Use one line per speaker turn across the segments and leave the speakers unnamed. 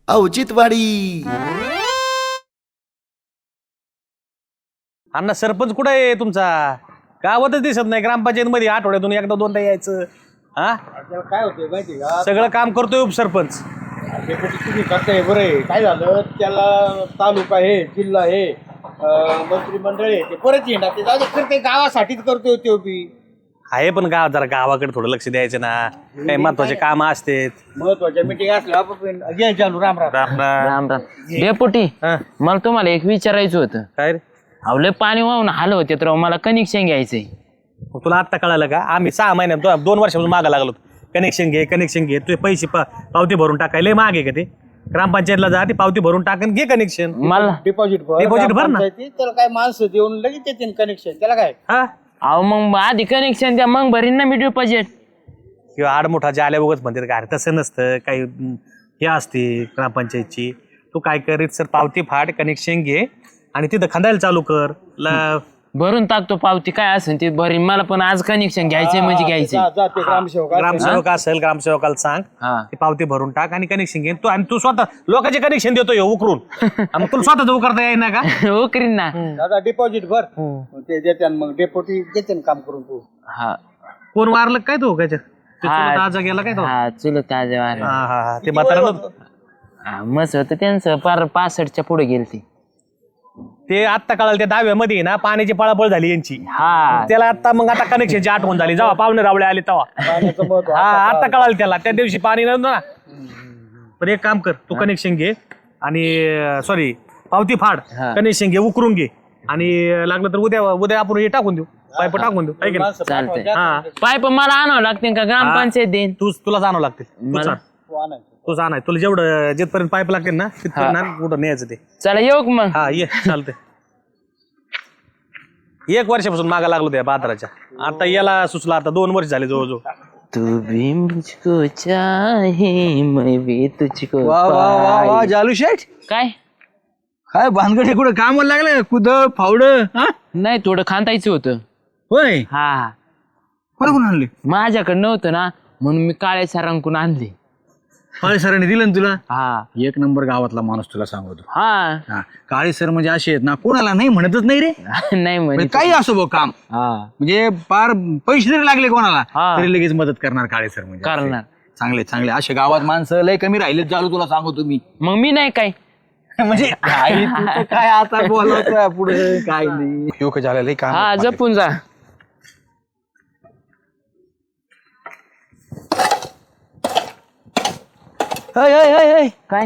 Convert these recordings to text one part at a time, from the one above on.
औचित्यवाडी.
अण्णा सरपंच कुठे आहे तुमचा? गावातच दिसत नाही. ग्रामपंचायत मध्ये आठवड्यातून एकदा दोनदा यायचं. हा
काय होतंय माहिती का,
सगळं काम करतोय उपसरपंच.
तुम्ही करताय बरं आहे. काय झालं त्याला तालुका आहे, जिल्हा आहे, मंत्रिमंडळ आहे, ते परत येणार ते जाऊ दे, करते गावासाठीच करतोय तो बी.
आहे पण गाव जरा गावाकडे थोडं लक्ष द्यायचं ना. काही महत्वाचे काम असते.
महत्वाच्या मिटिंग असल्या आपण घ्यायचं चालू. राम राम.
राम राम.
राम राम. डेपुटी मला तुम्हाला एक विचारायचं होतं.
काय रे?
अवले पाणी वाहून हाल होते तर मला कनेक्शन घ्यायचंय.
तुला आत्ता कळालं का? आम्ही 6 महिन्यात 2 वर्षापासून मागा लागलो. कनेक्शन घे तुझे पैसे पावती भरून टाकायला माग आहे का ते? ग्रामपंचायतला जा, ती पावती भरून टाकन, घे कनेक्शन.
मला
डिपॉझिट
भर ना.
त्याला काय माणसं देऊन लगेच येते कनेक्शन. त्याला काय
हा
अहो मग आधी कनेक्शन द्या, मग भरीन ना मी डिपॉझिट.
किंवा आडमुठाच्या आल्या उगाच म्हणते का? अरे तसं नसतं काही. हे असते ग्रामपंचायतची. तू काय करीत सर, पावती फाड, कनेक्शन घे आणि तिथं खंदायला चालू कर.
भरून टाकतो पावती, काय असेल ते भरीन. मला पण आज कनेक्शन घ्यायचंय म्हणजे घ्यायचंय.
जाते ग्रामसेवक
ग्रामसेवक असेल, ग्रामसेवकाला सांग ती पावती भरून टाक आणि कनेक्शन घे. तू स्वतः लोकांचे कनेक्शन देतो ह्यो उकरून. मग तुला स्वतः उकरता येईना का?
हो करीन ना.
दादा डिपॉझिट भर, मग ते देते. मग डेपोटी देते काम करून तू.
हा
कोण वारलं काय तो ताजा गेला काय तो?
हा चुलत आज
हा ते म्हातारा
मस्त होतं त्यांचं. पार 65च्या पुढे गेलती.
ते आत्ता कळालं. त्या दहाव्यामध्ये ना पाण्याची पळापळ झाली यांची.
हा
त्याला आता कनेक्शनची आठवण झाली जेव्हा पाहुणे रावळे आले तेव्हा.
पाण्याचं महत्व
हा आता कळालं त्याला. त्या दिवशी पाणी नव्हतं ना. पण एक काम कर, तू कनेक्शन घे आणि सॉरी पावती फाड, कनेक्शन घे, उकरून घे आणि लागलं तर उद्या आपण हे टाकून देऊ, पाईप टाकून देऊ. ऐक ना,
चालतंय.
हा
पाईप मला आणावं लागते का ग्रामपंचायत देईन?
तुला जाणवं लागते. तू जाणार. तुला जेवढं जिथपर्यंत पाईप लागते ना तिथपर्यंत कुठं न्यायचं ते.
चला येऊ का मग?
हा ये चालतंय. 1 वर्षापासून मागा लागलो त्या बाजाराच्या. आता याला सुचला, आता 2 वर्ष झाले जवळजवळ.
तू भी मुझको चाहे मैं भी तुझको.
वा वा वा वा जालू शेठ,
काय
भानगडे कुठं कामाला लागलं? कुद फावड
नाही, थोडं खांदायचं होतं.
होय.
हा
कोण आणले?
माझ्याकडे नव्हतं ना, म्हणून मी काळ्या सरांकडून आणले.
काळे सरांनी दिलं ना तुला?
हा
1 नंबर गावातला माणूस तुला सांगतो.
हा
काळे सर म्हणजे असे आहेत ना, कोणाला नाही म्हणतच नाही रे.
नाही
म्हणजे काही असो बघ काम, म्हणजे फार पैसे जरी लागले कोणाला तरी लगेच मदत करणार काळे सर. म्हणजे
करणार.
चांगले चांगले असे गावात माणसं लय कमी राहिलेत चालू, तुला सांगतो मी.
मग मी नाही काय
म्हणजे काय आता बोलवतोय पुढे काय नाही. योग झालेलं काम.
हा जपून जा. काय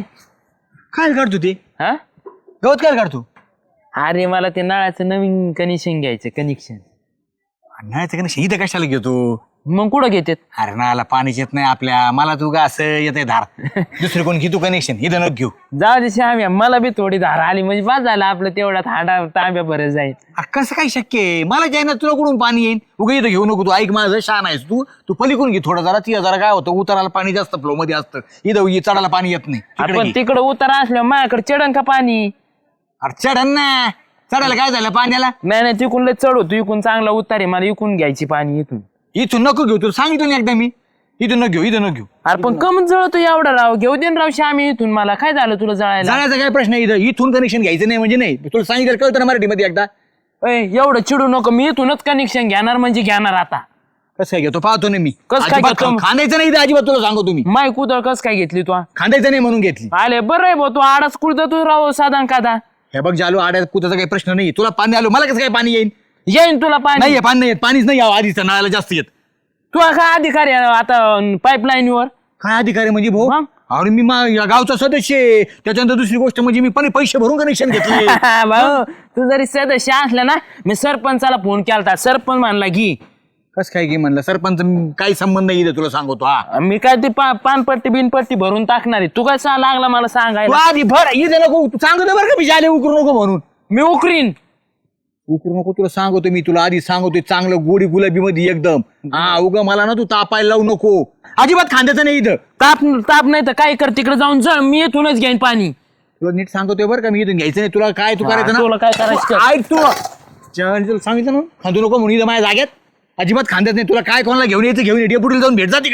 काय काढतो ते
हा?
गवत? काय काढतो?
अरे मला ते नळाचं नवीन कनेक्शन घ्यायचं. कनेक्शन
नाही तर का इथं कशाला घेतो?
मग कुठं घेतात?
अरे नाला पाणीच येत नाही आपल्या. मला तू का असं येते धार, दुसरी कोण घेतो कनेक्शन? इथं नको घेऊ.
जाऊ दे श्याम्या, मला बी थोडी धार आली म्हणजे बस झालं आपलं. तेवढा थांडा तांब्या बरं जाईल.
कसं काय शक्य आहे? मला जाईना तुला कुठून पाणी येईल? उगा इथं घेऊ नको. तू ऐक माझं, शान आहेस तू. तू पलीकडून घे थोडं जरा. ती जरा काय होतं, उतराला पाणी जास्त फ्लो मध्ये असतं, इथं चढायला पाणी येत नाही.
आपण तिकडं उतारा असल्यावर माझ्याकडे चढण का पाणी?
अरे चढन ना, चढायला काय झालं पाण्याला?
नाही तिकून लय चढ होतो, इकून चांगला उतार आहे. मला इकून घ्यायची पाणी इथून.
इथून नको घेऊ, तुला सांगितलं ना एकदा मी. इथून नको घेऊ, इथं नको घेऊ.
अरे पण कमच जळतो एवढा राव. घेऊ दे राव श्यामी इथून. मला काय झालं तुला जळायला?
जाण्याचा काय प्रश्न आहे? इथून कनेक्शन घ्यायचं नाही म्हणजे नाही. तुला सांगितलं कळतं ना मराठीमध्ये एकदा.
एवढं चिडू नको. मी इथूनच कनेक्शन घेणार म्हणजे घेणार. आता
कसं काय घेतो पाहतो ना मी.
कसं काय घेतो?
खांदायचं नाही इथं अजिबात, तुला सांगतो तुम्ही.
माय कुदळ कस काय घेतली तू?
खांदायचं नाही म्हणून घेतली.
आले बरं आहे भाऊ. तू आडाच कुडत तू राव साधा कादा.
हे बघ जालू, आड्यात कुताचा काही प्रश्न नाही. तुला पाणी आलो, मला कसं काय पाणी येईल?
येईन तुला पाणी.
नाही पाणी नाही येत. पाणीच नाही यावं आधीच, नळाला जास्त येत.
तू काय अधिकारी आहे आता पाईपलाईन वर?
काय अधिकारी म्हणजे भाऊ?
मग?
अरे मी या गावचा सदस्य आहे. त्याच्यानंतर दुसरी गोष्ट म्हणजे मी पण पैसे भरून कनेक्शन घेतले.
भाऊ तू जरी सदस्य असला ना, मी सरपंचाला फोन केलता. सरपंच म्हणला घे.
कस काय की म्हणलं? सरपंच काही संबंध नाही इथं, तुला सांगतो. हा
मी काय ती पानपट्टी बिनपट्टी भरून टाकणार आहे. तू काय लागला मला
तू
सांगायला?
आधी भर इथे नको. तू सांगतो बरं का मी जाले उकरू नको म्हणून.
मी उकरीन.
उकरू नको तुला सांगतो मी. तुला आधी सांगतोय चांगलं गोडी गुलाबी मध्ये एकदम. हा उगा मला ना तू तापायला लावू नको. अजिबात खांद्याचं नाही इथं.
ताप नाही तर काय कर, तिकडे जाऊन जळ. मी इथूनच घेईन पाणी.
तुला नीट सांगतोय बरं का मी. इथून घ्यायचं नाही. तुला काय तू करायचं ना,
तुला काय करायचं?
ऐक तू. तुला सांगितलं ना खांदू नको म्हणून इथं माझ्या जाग्यात. अजिबात खांद्यात नाही. तुला काय कोणाला घेऊन यायचं घेऊन ये. डेपुटीला जाऊन भेट जा तिकडं.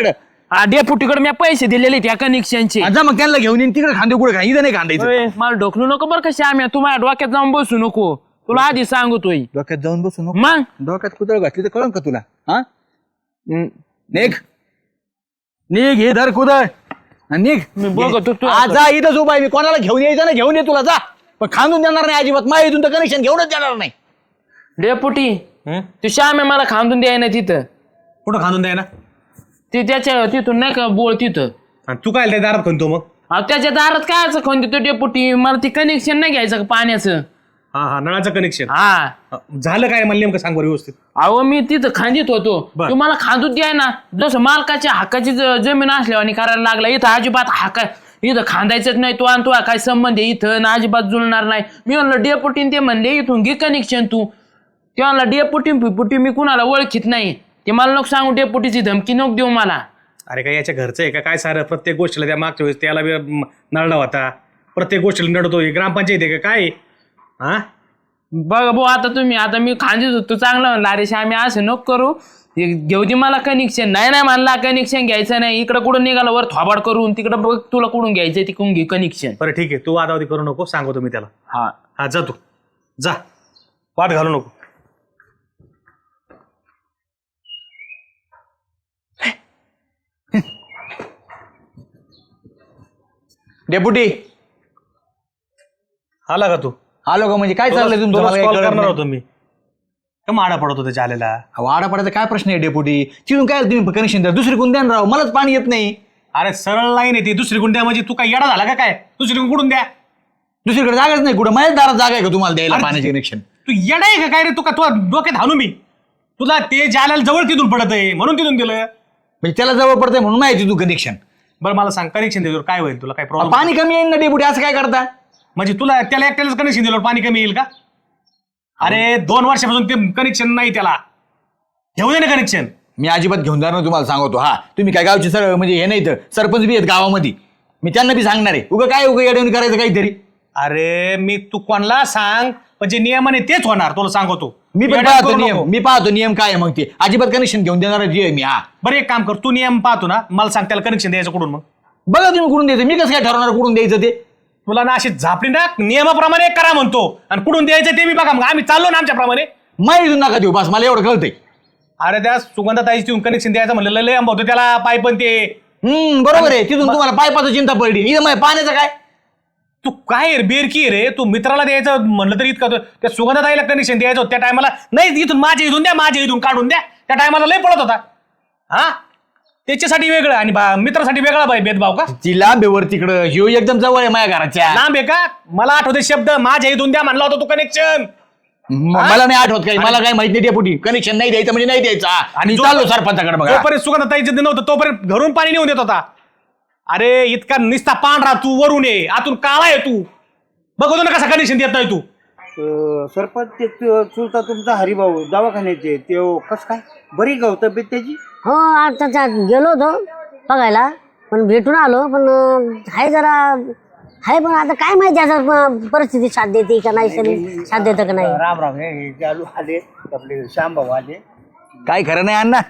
डेपुटीकडे मी पैसे दिलेले त्या कनेक्शनचे.
जा मग त्यांना घेऊन येईन तिकडे खांदे कुठे खा इथं नाही खांदायचं.
मला ढोकलू नको बरं का श्याम्या, तू माझ्या डोक्यात जाऊन बसू नको, तुला आधी सांगतोय.
डोक्यात जाऊन बसू नको.
मग
डोक्यात कुदळ घातली तर कळन का तुला? हा निघ निघ हे धर कुदळ आणि निघ.
मी बघतो तू
आज जा इथंच उभा आहे मी. कोणाला घेऊन यायचं ना घेऊन ये तुला जा, पण खांदून देणार नाही अजिबात. माझ्या इथून तर कनेक्शन घेऊनच देणार नाही.
डेपुटी तू श्याम्या मला खांदून द्याय ना तिथं.
कुठं खांदून द्याय ना?
ते त्याच्या तिथून नाही का बोळ तिथं.
आणि तू काय त्या दारात खणतो मग?
अहो त्याच्या दारात काय असं खाऊन देतो डेपुटी, मला ते कनेक्शन नाही घ्यायचं का पाण्याचं.
हा नळाचं कनेक्शन
हा
झालं काय मला नेमकं सांग बरं व्यवस्थित.
अहो मी तिथं खांदित होतो,
बर.
तुम्हाला खांदून द्याय ना. जसं मालकाच्या हक्काची जमीन असल्यावर आणि करायला लागला. इथं अजिबात हक्का इथं खांदायचंच नाही तो, आणि तुला काय संबंध आहे इथं ना, अजिबात जुळणार नाही. मी म्हणलं डेपुटीन ते म्हणले इथून घे कनेक्शन तू. ते म्हणला डेपुटी मी कुणाला ओळखीत नाही. ते मला नको सांगू, डेपुटीची धमकी नको देऊ मला.
अरे काय याच्या घरचं आहे का काय सारं? प्रत्येक गोष्टीला त्या मागच्या वेळेस त्याला बी नळला होता, प्रत्येक गोष्टीला नडतो. ग्रामपंचायत आहे का काय? हा
बघा भाऊ आता तुम्ही, आता मी खांदीत होतो चांगलं म्हणलं अरे श्यामी असं नको करू, घेऊ दे मला कनेक्शन. नाही म्हणला कनेक्शन घ्यायचं नाही. इकडं कुठं निघालं वर थोबाड करून, तिकडं बघ तुला कुठून घ्यायचं तिकडून घे कनेक्शन.
बरं ठीक आहे, तू वादावादी करू नको, सांगतो मी त्याला.
हा
जा तू जा, वाट घालू नको.
डेपुटी
आला का तू?
आलो का? म्हणजे काय चाललंय तुमचं? मला काही
कॉल
कळत
करणार
नाही.
होतो मी, का माडा पडत होता चालेला.
वाडा पडायचा काय प्रश्न आहे डेपुटी? तिथून काय तुम्ही कनेक्शन द्या, दुसरी कोण द्या ना राव, मलाच पाणी येत नाही.
अरे सरळ लाईन आहे ती, दुसरी कुंड्या म्हणजे तू काय येडा झाला का काय? दुसरी कुठून द्या?
दुसरीकडे जागाच नाही कुठं. माझ्याच दारात जागा आहे का तुम्हाला द्यायला
अरे,
पाण्याचे कनेक्शन?
तू येडा आहे का काय रे? तू का तुला डोक्यात हाणू मी? तुला ते जाल्याला जवळ तिथून पडत आहे म्हणून तिथून दिलं.
म्हणजे त्याला जवळ पडतंय म्हणून माहिती तू कनेक्शन.
बरं मला सांग, कनेक्शन दिल्यावर काय होईल? तुला काय प्रॉब्लेम?
पाणी कमी येईल ना डेपुटी, असं काय करता?
म्हणजे तुला त्याला एकट्यालाच कनेक्शन दिल्यावर पाणी कमी येईल का? अरे 2 वर्षापासून ते कनेक्शन नाही, त्याला घेऊ दे ना कनेक्शन.
मी अजिबात घेऊन जाणार तुम्हाला सांगतो. हा तुम्ही काय गावचे सर म्हणजे हे नाही तर सरपंच बी आहेत गावामध्ये, मी त्यांना बी सांगणार आहे. उगा काय उगा येऊन करायचं काहीतरी.
अरे मी तू कोणाला सांग, पण जे नियमाने तेच होणार, तुला सांगतो.
मी पण
येड्या
पाहतो
करू
नियम,
नको.
मी पाहतो नियम काय आहे मग ते. अजिबात कनेक्शन घेऊन देणार जी आहे मी. हा
बरं एक काम कर, तू नियम पाहतो ना, मला सांग त्याला कनेक्शन द्यायचं कुठून? मग
बघा तुम्ही कुठून द्यायचं, मी कसं काय ठरवणार कुठून द्यायचं ते.
तुला ना अशी झापडी ना, नियमाप्रमाणे करा म्हणतो आणि कुठून द्यायचं ते मी बघा. मग आम्ही चाललो ना आमच्याप्रमाणे.
माहिती नका देऊ बस, मला एवढं कळतंय.
अरे त्या सुगंधाताईची तिथून कनेक्शन द्यायचं म्हणलं, लय आंबा होतो त्याला पाईप पण ते.
बरोबर आहे. तिथून तुम्हाला पायपाचं चिंता पडली, इथं माझ्या पाण्याचं काय?
तू काय रे बेरकी रे? तू मित्राला द्यायचं म्हणलं तरी इतकं त्या सुगंधाताईला कनेक्शन द्यायचं होतं त्या टायमाला. नाही इथून माझ्या इथून द्या, माझ्या इथून काढून द्या. त्या टायमाला लय पळत होता. हा त्याच्यासाठी वेगळं आणि मित्रासाठी वेगळा भेदभाव का?
ती लांब आहे वर तिकडं, ह्यो एकदम जवळ आहे माझ्या घराच्या.
लांब आहे का? मला आठवते शब्द, माझ्या इथून द्या म्हणला होता तू कनेक्शन.
मला नाही आठवत काही, मला काय माहिती नाही डेपुटी. कनेक्शन नाही द्यायचं म्हणजे नाही द्यायचं. आणि चाललो सरपंचाकडे बघा.
तोपर्यंत सुगंधाताईचं दिन नव्हतं, तोपर्यंत घरून पाणी नेऊन देत होता. अरे इतका निस्ता पांढरा तू, वरून ये आतून काळा आहे तू. बघतो ना कसा कनेक्शन देत नाही तू.
सरपंच ते चुलता तुमचा हरिभाऊ दवाखान्याचे ते कस काय बरी गाव तब्येत त्याची?
हो आता गेलो होतो बघायला, पण भेटून आलो. पण आहे जरा आहे, पण आता काय माहिती असं परिस्थिती साथ देते का नाही, शरीर साथ देतं का नाही.
राम राम. हे चालू आले आपले श्यामभाऊ आले.
काय खरं नाही अण्णा.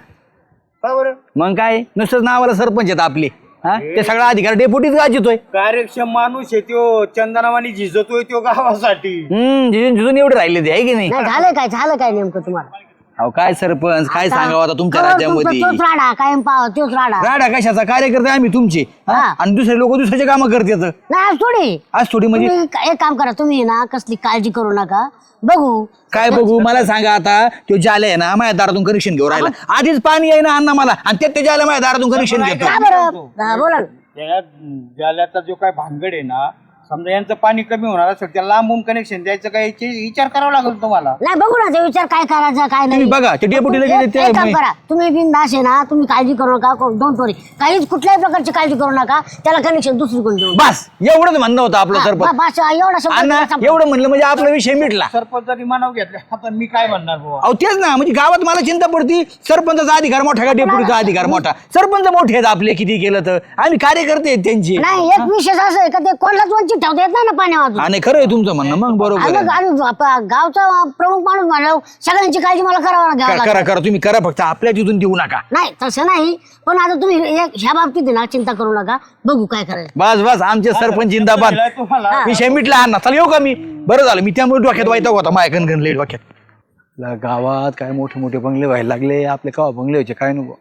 का बरं?
मग काय नुसतंच नावाला सरपंच आहेत आपले. हा ते सगळा अधिकार डेपुटीच गाजतोय.
कार्यक्षम माणूस आहे त्यो, चंदनावानी झिजतोय त्यो गावासाठी.
झिजून एवढे राहिले ते आहे की नाही?
नाही झालं काय नेमकं तुम्हाला?
अहो काय सरपंच काय सांगावं आता तुमच्या
तुमचा
राज्यामध्ये.
तोच राडा कायम पाव, तोच राडा.
राडा कशाचा? कार्यकर्ते आम्ही तुमचे. हा?
हा.
आणि दुसरे लोक दुसऱ्याचे कामं करतात.
नाही आज थोडी.
आज थोडी म्हणजे
तुम्ही एक काम करा, तुम्ही ना कसली काळजी करू नका. बघू
काय बघू? मला सांगा आता, तो जाले आहे ना माझ्या दारातून कनेक्शन घेऊन राहिला. आधीच पाणी आहे ना अण्णा मला, आणि त्यात जाले माझ्या दारातून कनेक्शन घेतो.
का बरं? हा, बोला ना.
त्या जाल्याचा जो काय भानगड आहे ना, समजा यांचं पाणी कमी होणार असेल त्याला लांबून कनेक्शन द्यायचं काय याची विचार करावा लागेल तुम्हाला.
नाही बघू ना ते विचार काय करायचा काय नाही.
तुम्ही बघा ते डेपुटीला गेले ते
एक काम करा, तुम्ही बिनधास्त आहे ना, तुम्ही काळजी करू नका. डोंट वरी, काहीच कुठल्याही प्रकारची काळजी करू नका. त्याला कनेक्शन दुसरीकडून देऊ.
बस एवढंच म्हणणं होतं आपलं सरपंच.
बस एवढा शब्द
अण्णा एवढं म्हणलं म्हणजे आपला विषय मिटला.
सरपंचानी मानाव घेतला, आता मी काय म्हणणार बुवा.
अहो तेच ना, म्हणजे गावात मला चिंता पडती. सरपंचाचा अधिकार मोठा का डेपुटीचा अधिकार मोठा? सरपंच मोठे आहेत आपले, किती केलं तर. आम्ही कार्यकर्ते आहेत त्यांचे.
नाही एक विशेष असं आहे का ते कोणालाच वंचित ठेवता येत नाही ना पाणी वाजून.
आणि खरं आहे तुमचं म्हणणं, मग बरोबर आहे.
आणि गावचा प्रमुख माणूस म्हणलं सगळ्यांची काळजी मला करावं घ्यावं
करा
लागेल.
करा तुम्ही करा, फक्त आपल्या तिथून देऊ नका.
नाही तसं नाही, पण आता तुम्ही ह्या बाबतीत आहे ना चिंता करू नका, बघू काय करायचं.
बस बस, आमचे सरपंच जिंदाबाद.
तुम्हाला
विषय मिटला अण्णा. चला येऊ का मी? बरं झालं, मी त्यामुळे डोक्यात वाईट होता माझ्या गणगण डोक्यात. गावात काय मोठे मोठे बंगले व्हायला लागले, आपले केव्हा बंगले व्हायचे काय नको.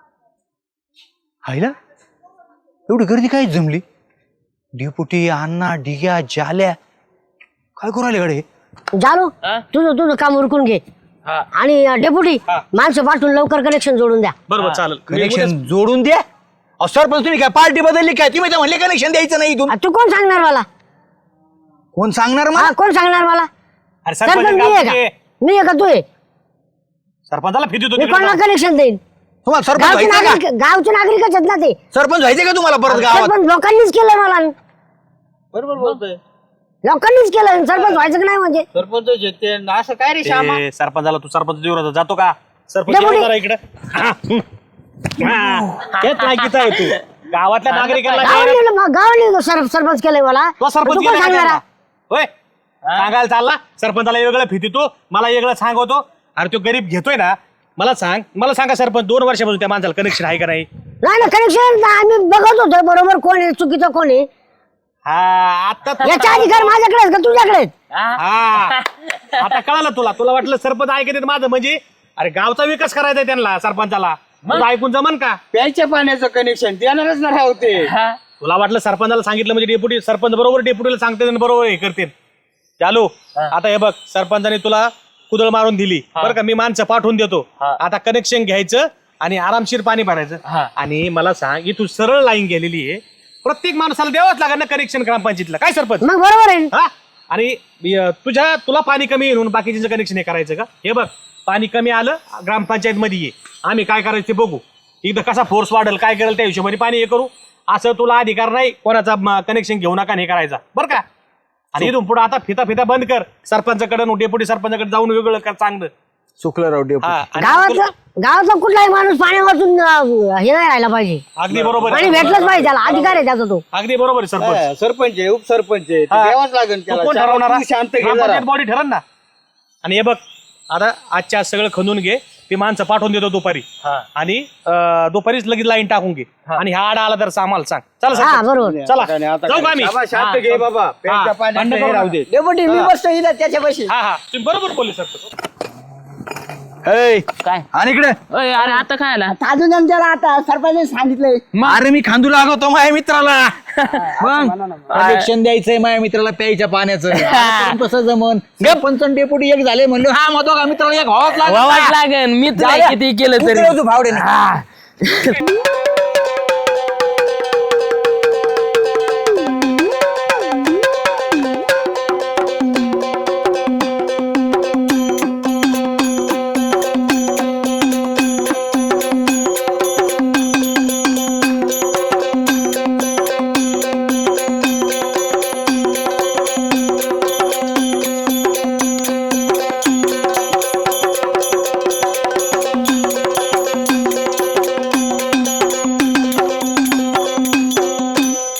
हायला एवढी गर्दी काय जमली? डेपुटी, अण्णा, डिग्या, जाल्या काय करू राहिले गडे?
जालू तुझं काम उरकून घे. आणि डेपुटी माणसं पाठवून लवकर कनेक्शन जोडून द्या.
बरोबर चालेल.
कनेक्शन जोडून द्या. अहो सरपंच तुम्ही काय पार्टी बदलली काय? तुम्ही तर म्हणले कनेक्शन द्यायचं नाही इथून.
तू कोण सांगणार मला?
कोण सांगणार मला?
कोण सांगणार मला?
अरे
सरपंच
सरपंच
मी आहे का? मी आहे का तू आहे?
सरपंचाला फिती
मी कोणाला कनेक्शन देईन?
तुम्हाला सरपंच व्हायचं का?
गावचे नागरिकच आहेत ना ते.
सरपंच व्हायचे का तुम्हाला परत गावात?
सरपंच लोकांनीच केलंय मला.
बरोबर बोलतोय.
लोकांनीच केलं, सरपंच व्हायचं का नाही म्हणजे?
सरपंच ते असं काय रे श्यामा?
सरपंचाला तू सरपंच देऊ जातो का? सरपंच
डेपुटी.
येऊ जरा इकडे. तेच लायकीचा आहे तू. गावातल्या नागरिकांना
गावाने सरपंच केलंय मला.
तो सरपंच
तू कोण
केला
सांगणार?
का? होय सांगायला चालला सरपंचाला वेगळं फितितो, मला वेगळं सांगतो. अरे तो गरीब घेतोय ना, मला सांगा सरपंच 2 वर्षापासून त्या माणसाला कनेक्शन आहे का नाही?
नाही ना कनेक्शन आम्ही बघत होतो बरोबर कोण आहे चुकीचं कोण आहे.
हा आता
याचा अधिकार माझ्याकडे आहे का तुझ्याकडे?
हा आता कळालं तुला वाटलं सरपंच ऐकत माझं म्हणजे? अरे गावचा विकास करायचा त्यांना सरपंचाला. तुला ऐकून जमन का?
प्यायच्या पाण्याचं कनेक्शन देणारच ना राहते.
तुला वाटलं सरपंचाला सांगितलं म्हणजे डेप्युटी सरपंच बरोबर डेप्युटीला सांगते आणि बरोबर हे करते. चालू आता हे बघ, सरपंचाने तुला कुदळ मारून दिली बरं का, मी माणसं पाठवून देतो. आता कनेक्शन घ्यायचं आणि आरामशीर पाणी भरायचं. आणि मला सांग, ही तू सरळ लाईन गेलेली आहे, प्रत्येक माणसाला द्यावंच लागेल ना कनेक्शन ग्रामपंचायतीला. काय सरपंच?
मग बरोबर आहे.
हा आणि तुला पाणी कमी येऊन बाकीचं कनेक्शन हे करायचं का? हे बघ, पाणी कमी आलं ग्रामपंचायत मध्ये ये, आम्ही काय करायचं ते बघू. एकदा कसा फोर्स वाढेल काय करेल त्या हिशोबाने पाणी हे करू. असं तुला अधिकार नाही कोणाचा कनेक्शन घेऊ नका हे करायचा बरं का. आणि इथून पुढे आता फिता बंद कर. सरपंचाकडे डेप्युटी सरपंचाकडे जाऊन वेगळं कर चांगलं.
चुकलं राव डेपुटी.
हा, आणि
गावातला कुठलाही माणूस पाणी वाचून हे नाही राहायला पाहिजे.
अगदी बरोबर
पाणी
आहे.
भेटलंच पाहिजे, त्याला अधिकार आहे त्याचा तो.
अगदी बरोबर आहे सरपंच.
सरपंच आहे, उपसरपंच आहे, ते
हा.
द्यावंच लागेल
तू
त्याला.
कोण
श्यामा,
ठरवणार?
तू शांत घे जरा.
ग्रामपंचायत बॉडी ठरन ना. आणि हे बघ, आता आजच्या आज सगळं खणून घे, ती माणसं पाठवून देतो दुपारी. आणि दुपारीच लगेच लाईन टाकून घे. आणि हा आडा आला तर आम्हाला सांग. चला
हा
सरपंच.
बरोबर.
चला
आणि आता
जाऊ का
काय?
आम्ही?
श्यामा, शांत घे बाबा. प्यायच्या पाण्याचं
भांडण
हे
करू
राहू
नका.
दे.
डेपुटी मी बसतो इथं त्याच्यापाशी.
हा तुम्ही बरोबर बोलले सरपंच.
ऐ,
काय?
आणि इकडे
अय, अरे आता काय आला?
अजून आमच्याला आता सरपंच सांगितलंय.
अरे मी खांदू लागवतो माझ्या मित्राला. मग कनेक्शन द्यायचंय माझ्या मित्राला प्यायच्या पाण्याचं. आता कसं जमन? सरपंच आणि डेपुटी एक झाले म्हणलं, हा मग दोघा मित्राला एक व्हावाच लागेल.
व्हावाच लागेल. मित्र आहे किती केलं तरी.
भावडे